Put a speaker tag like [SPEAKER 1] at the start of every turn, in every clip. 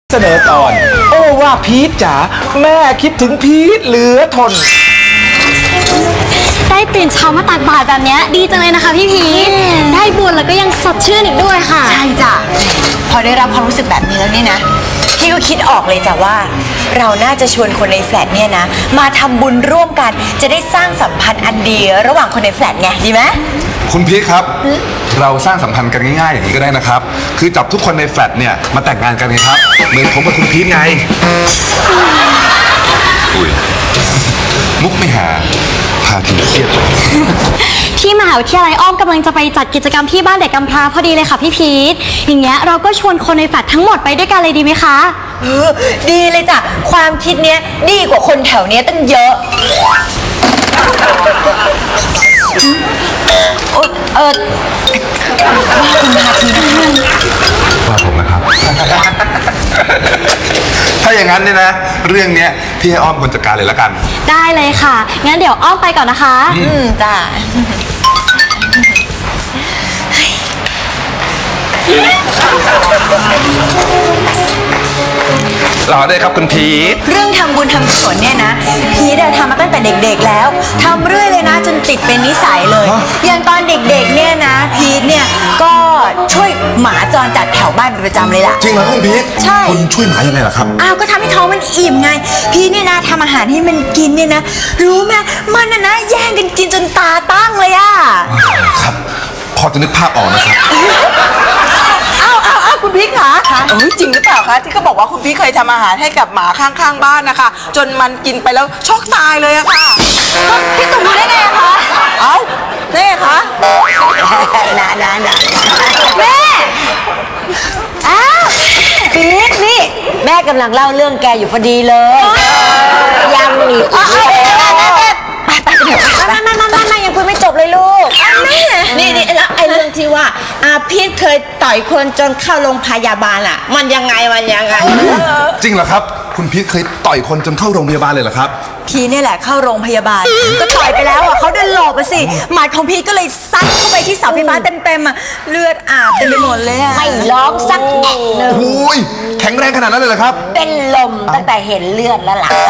[SPEAKER 1] เสนอตอนโอ้ว่าพีทจ๋าแม่คิดถึงพีทเหลือทน
[SPEAKER 2] ได้ตื่นเช้ามาตักบาตรแบบนี้ดีจังเลยนะคะพี่พีทได้บุญแล้วก็ยังสดชื่นอีกด้วยค่ะ
[SPEAKER 3] ใช่จ้ะพอได้รับความรู้สึกแบบนี้แล้วเนี่ยนะพี่ก็คิดออกเลยจ้ะว่าเราน่าจะชวนคนในแฟลตเนี่ยนะมาทำบุญร่วมกันจะได้สร้างสัมพันธ์อันดีระหว่างคนในแฟลตไงดีไหม
[SPEAKER 4] คุณพีทครับเราสร้างสัมพันธ์กันง่ายๆอย่างนี้ก็ได้นะครับคือจับทุกคนในแฟลตเนี่ยมาแต่งงานกันไงครับเหมือนผมกับคุณพีทไงอุ้ยมุกไม่หาพาทีเครียด
[SPEAKER 2] ที่มหาวิทยาลัยอ้อมกำลังจะไปจัดกิจกรรมที่บ้านเด็กกำพร้าพอดีเลยค่ะพี่พีทอย่างเงี้ยเราก็ชวนคนในแฟลตทั้งหมดไปด้วยกันเลยดีไหมคะ
[SPEAKER 3] ดีเลยจ้ะความคิดเนี้ยดีกว่าคนแถวเนี้ยตั้งเยอะว่าคุณพาทีนะคะ
[SPEAKER 4] ว่าผมนะครับ ถ้าอย่างนั้นเนี่ยนะเรื่องเนี้ยพี่ให้อ้อมคนจัดการเลยละกัน
[SPEAKER 2] ได้เลยค่ะงั้นเดี๋ยวอ้อมไปก่อนนะคะ
[SPEAKER 3] จ้ะ
[SPEAKER 4] รอได้ครับคุณพีท
[SPEAKER 3] เรื่องทำบุญทำกุศลเนี่ยนะพีททำมาตั้งแต่เด็กๆแล้วทำเรื่อยเลยนะจนติดเป็นนิสัยเลยอย่างตอนเด็กๆเนี่ยนะพีทเนี่ยก็ช่วยหมาจรจัดแถวบ้านเป็นประจำเลยล่ะ
[SPEAKER 4] จริงเหรอคุณพีท
[SPEAKER 3] ใช่
[SPEAKER 4] คุณช่วยหมายังไงล่ะครับ
[SPEAKER 3] ก็ทำให้ท้องมันอิ่มไงพีทเนี่ยนะทำอาหารให้มันกินเนี่ยนะรู้ไหมมันนะแย่งกันกินจนตาตั้งเลยอะ
[SPEAKER 4] ครับพอจะนึกภาพออกนะครับ
[SPEAKER 5] คุณพี่คะจริงหรือเปล่าคะที่เขาบอกว่าคุณพี่เคยทำอาหารให้กับหมาข้างๆบ้านนะคะจนมันกินไปแล้วช็อกตายเลยอะค่ะ
[SPEAKER 3] พี่ตุ่มรู้ได้ไงคะ
[SPEAKER 5] ได้ไงคะ
[SPEAKER 3] นะแม่พีทนี่แม่กำลังเล่าเรื่องแกอยู่พอดีเลยยังมีไม่ยังคุยไม่จบเลยลูก
[SPEAKER 5] แม่นี่แล้วไอ้เรื่องที่ว่าพีทเคยต่อยคนจนเข้าโรงพยาบาลอะมันยังไง
[SPEAKER 4] จริงเหรอครับคุณพีทเคยต่อยคนจนเข้าโรงพยาบาลเลยเหรอครับ
[SPEAKER 3] พีทนี่แหละเข้าโรงพยาบาลก็ต่อยไปแล้วเขาเดินหลบไปสิหมัดของพีทก็เลยซัดเข้าไปที่เสาไฟฟ้าเต็มเลือดอาบเต็มไปหมดเลยไม่ร้องสักแอะหนึ่ง
[SPEAKER 4] โอ้ยแข็งแรงขนาดนั้นเลยเหรอครับ
[SPEAKER 3] เป็นลมตั้งแต่เห็นเลือดแล้วล่ะ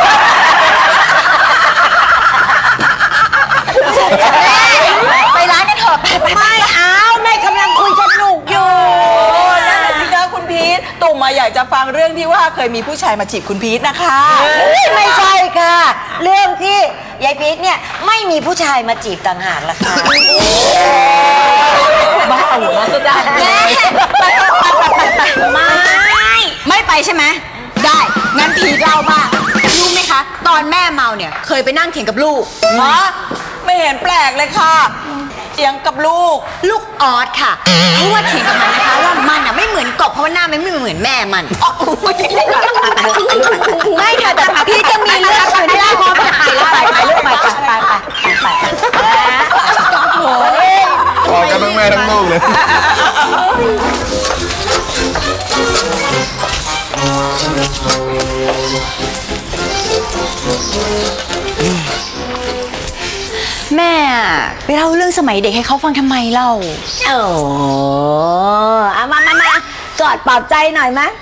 [SPEAKER 3] ไปร้านกันเถอะไม่เอาแม่กำลังคุยสนุกอยู่
[SPEAKER 5] นั่นแหละสิคะคุณพีทตุ่มมาอยากจะฟังเรื่องที่ว่าเคยมีผู้ชายมาจีบคุณพีทนะคะ
[SPEAKER 3] ไม่ใช่ค่ะเรื่องที่ยายพีทเนี่ยไม่มีผู้ชายมาจีบต่างหากล่ะค่ะ
[SPEAKER 5] บ้าหัวก็ได้
[SPEAKER 3] แม่ไม่ไปใช่ไหมได้งั้นพีทเล่าบ้างรู้ไหมคะตอนแม่เมาเนี่ยเคยไปนั่งเถียงกับลูก
[SPEAKER 5] ไม่เห็นแปลกเลยค่ะเถียงกับลูก
[SPEAKER 3] ออสค่ะเพราะว่าเถียงกับมันนะคะว่ามันไม่เหมือนกบเพราะว่าหน้ามันไม่เหมือนแม่มันไม่ค่ะแต่พี่จะมีเรื่องอื่นที่พอไปลูกไป
[SPEAKER 4] พอกันทั้งแม่ทั้งลูกเลย
[SPEAKER 3] แม่ไปเล่าเรื่องสมัยเด็กให้เขาฟังทำไมเล่ามากอดปลอบใจหน่อยมั้ย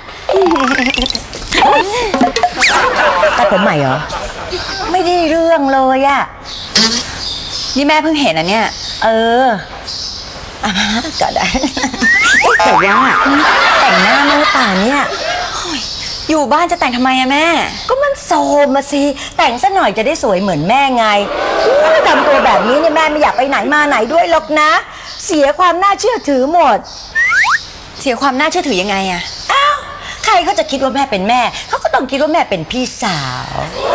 [SPEAKER 3] ตัดผมใหม่เหรอไม่ได้เรื่องเลยอะนี่แม่เพิ่งเห็นอะเนี่ยก็ได้แต่ว่าแต่งหน้าเมื่อป่านเนี่ยอยู่บ้านจะแต่งทำไมอะแม่ก็มันโซมมาสิแต่งซะหน่อยจะได้สวยเหมือนแม่ไงทำตัวแบบนี้เนี่ยแม่ไม่อยากไปไหนมาไหนด้วยหรอกนะเสียความน่าเชื่อถือหมดเสียความน่าเชื่อถือยังไงอะใครเขาจะคิดว่าแม่เป็นแม่เขาก็ต้องคิดว่าแม่เป็นพี่สาว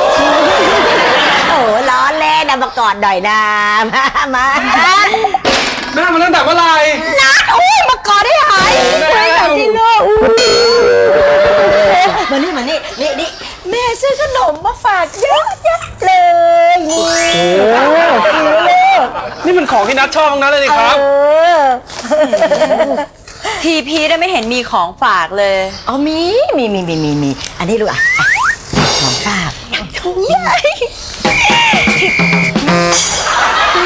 [SPEAKER 3] ล้อเล่นมากอดหน่อยนะมา
[SPEAKER 4] แม่มาตั้งแต่เมื่อไหร่
[SPEAKER 3] นัดมากอดได้หายแต่ที่โลกมานี่แม่ซื้อขนมมาฝากเยอะเลย
[SPEAKER 1] นี่มันของที่นัดชอบทั้งนั้นเลยครับ
[SPEAKER 3] ทีพีได้ไม่เห็นมีของฝากเลยมีอันนี้ลูกของฝากถุงใหญ่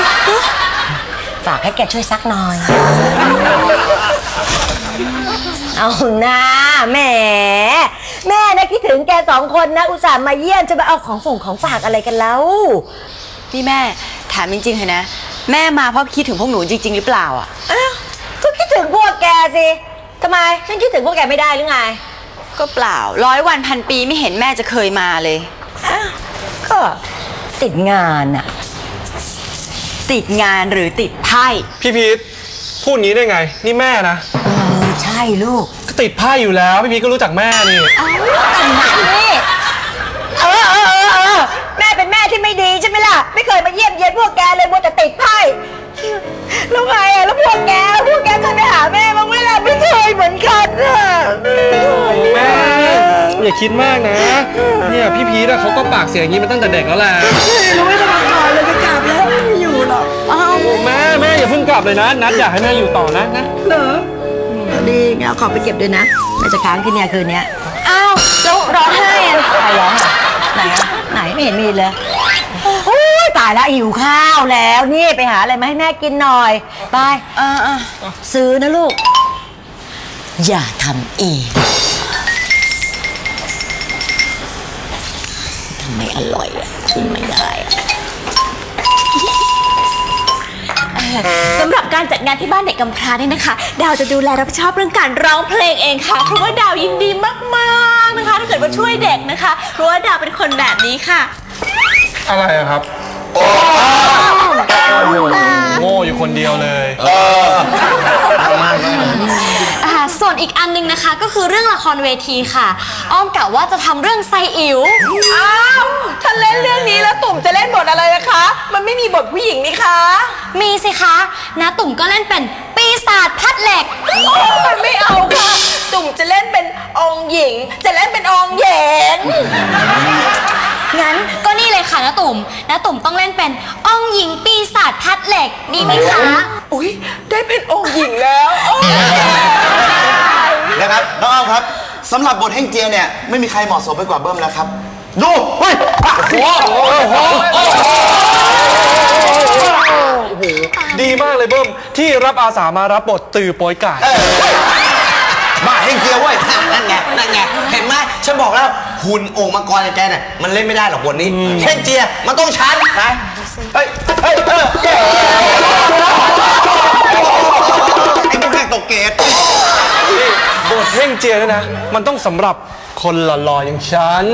[SPEAKER 3] ฝากให้แกช่วยซักหน่อยเอาหน้าแหมแม่นะคิดถึงแก2 คนนะอุตส่าห์มาเยี่ยมจะมาเอาของฝากอะไรกันแล้ว
[SPEAKER 6] นี่แม่ถามจริงๆเถอะนะแม่มาเพราะคิดถึงพวกหนูจริงๆหรือเปล่าอ่ะ
[SPEAKER 3] อ้าวก็คิดถึงพวกแกสิทำไมฉันคิดถึงพวกแกไม่ได้หรือไง
[SPEAKER 6] ก็เปล่า100 วันพันปีไม่เห็นแม่จะเคยมาเลย
[SPEAKER 3] อ้าวก็ติดงานอะ
[SPEAKER 6] ติดงานหรือติดไพ่
[SPEAKER 1] พี่พีทพูดงี้ได้ไง นี่แม่นะ
[SPEAKER 3] ใช่ลูก
[SPEAKER 1] ก็ติดไพ่อยู่แล้วพี่พีทก็รู้จักแม่นี่
[SPEAKER 3] แต่ไหนนี่แม่เป็นแม่ที่ไม่ดีใช่ไหมล่ะไม่เคยมาเยี่ยมเยียนพวกแกเลยมัวแต่ติดไพ่แล้วไงอะแล้วพวกแกเคยไปหาแม่บ้างไหมล่ะไม่เคยเหมือนกันอะ
[SPEAKER 1] แม่อย่าคิดมากนะ เนี่ยพี่พีทเขาก็ปากเสียงอย่างนี้มาตั้งแต่เด็กแล้วแหละ
[SPEAKER 3] รู้ไม่ต้องมาก่อนเลยจะกลับแล้วไม่อยู่หรอก
[SPEAKER 1] แม่อย่าเพิ่งกลับเลยนะนัดอยากให้แม่อยู่ต่อนะ
[SPEAKER 3] เหรอดีงั้นเอาของไปเก็บด้วยนะแม่จะค้างที่เนี่ยคืนนี้
[SPEAKER 6] อ้าวแล้วร้องไห้อะ
[SPEAKER 3] ใครร้องอ่ะไหนอ่ะไหนไม่เห็นมีเลยโอ้ยตายแล้วหิวข้าวแล้วนี่ไปหาอะไรมาให้แม่กินหน่อยไปซื้อนะลูกอย่าทำเองทำไมอร่อยอ่ะกินไม่ได้อะ
[SPEAKER 2] สำหรับการจัดงานที่บ้านเด็กกำพร้าเนี่ยนะคะ ดาวจะดูแลรับผิดชอบเรื่องการร้องเพลงเองค่ะเพราะว่าดาวยินดีมากๆนะคะถ้าเกิดว่าช่วยเด็กนะคะเพราะว่าดาวเป็นคนแบบนี้ค่ะ
[SPEAKER 1] อะไรอะครับโง่อยู่คนเดียวเลย
[SPEAKER 2] ส่วนอีกอันนึงนะคะก็คือเรื่องละครเวทีค่ะ อ้อมกะว่าจะทำเรื่องไซอิ๋ว
[SPEAKER 5] อ้าวถ้าเล่นเรื่องนี้แล้วตุ่มจะเล่นบทอะไรนะคะ มันไม่มีบทผู้หญิงนี่คะ
[SPEAKER 2] มีสิคะนะตุ่มก็เล่นเป็นปีศาจพัดเหล็ก
[SPEAKER 5] โอ้ยไม่เอาค่ะ ตุ่มจะเล่นเป็นองค์หญิง จะเล่นเป็นองค์เหย็น
[SPEAKER 2] งั้นก็นี่เลยค่ะนะตุ่มต้องเล่นเป็นองค์หญิงปีศาจพัดเหล็กดีไหมคะ
[SPEAKER 5] อุ้ยได้เป็นองค์หญิงแล้วโอ้ย
[SPEAKER 7] นะครับน้องอ้อมครับสำหรับบทเฮ่งเจียเนี่ยไม่มีใครเหมาะสมไปกว่าเบิ้มแล้วครับดูเฮ้ย
[SPEAKER 1] ดีมากเลยเบิ้มที่รับอาสามารับบทตือโป้ยไก่
[SPEAKER 7] บ้าเฮ่งเจียเว้ยนั่นไงเห็นไหมฉันบอกแล้วหุ่นโอ่งมังกรอย่างแกเนี่ยมันเล่นไม่ได้หรอกบทนี้เฮ่งเจียมันต้องชันนะเฮ้ยไอ้พวกแขกตกเกต
[SPEAKER 1] บทเฮ่งเจียเนี่ยนะมันต้องสำหรับคนหล่อๆอย่างฉัน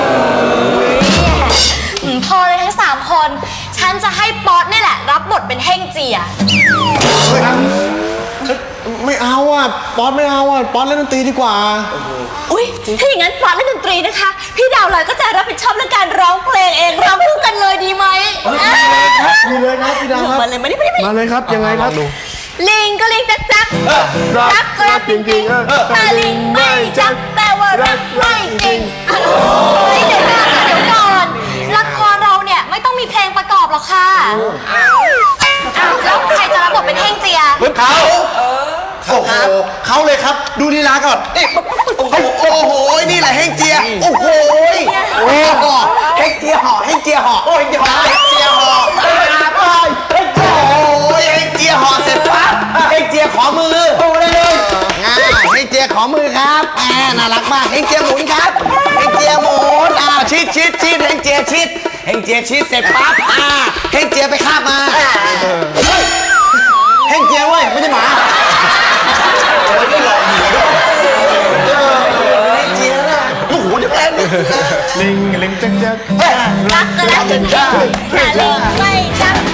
[SPEAKER 2] พอเลยทั้ง3 คนฉันจะให้ป๊อตนี่แหละรับบทเป็นเฮ่งเจีย
[SPEAKER 7] ไม่เอาอ่ะป๊อตไม่เอาอ่ะป๊อตเล่นดนตรีดีกว่า
[SPEAKER 2] อุ้ยถ้าอย่างนั้นป๊อตเล่นดนตรีนะคะพี่ดาวลอยก็จะรับผิดชอบเรื่องการร้องเพลงเองร้องคู่กันเลยดีไหม
[SPEAKER 7] ดีเลยครับพี่ดาวครับ
[SPEAKER 2] มาเลยมาดิ
[SPEAKER 7] มาเลยครับยังไงครับ
[SPEAKER 2] ลิงก็ลิงจักจักรักก็รักจริงๆแต่ลิงไม่จักแต่ว่ารักไม่จริงเดี๋ยวก่อนละครเราเนี่ยไม่ต้องมีเพลงประกอบหรอกค่ะแล้วใครจะรับบทเป็นเฮ่งเจีย
[SPEAKER 7] เขาโอ้โหเขาเลยครับดูลีลาก่อนนี่โอ้โหนี่แหละเฮงเจียโอ้โหเฮงเจียห่อเฮงเจียห่อโอ้ยเฮงเจียห่อเฮงเจียห่อเฮงเจียโอ้ยเฮงเจียห่อเสร็จปั๊บเฮงเจียขอมือโอ้เลยเฮงเจียขอมือครับน่ารักมากเฮงเจียหมุนครับเฮงเจียหมุนชิดเฮงเจียชิดเฮงเจียชิดเสร็จปั๊บเฮงเจียไปคาบมาเฮงเจียเว้ยไม่ใช่หมาโอ้ยได้หลอกหัวด้วยเฮงเจียนะโอ้โหจะแปลงลิงจัก
[SPEAKER 2] รักก็รักจริงๆแต่ลิงไม่จัก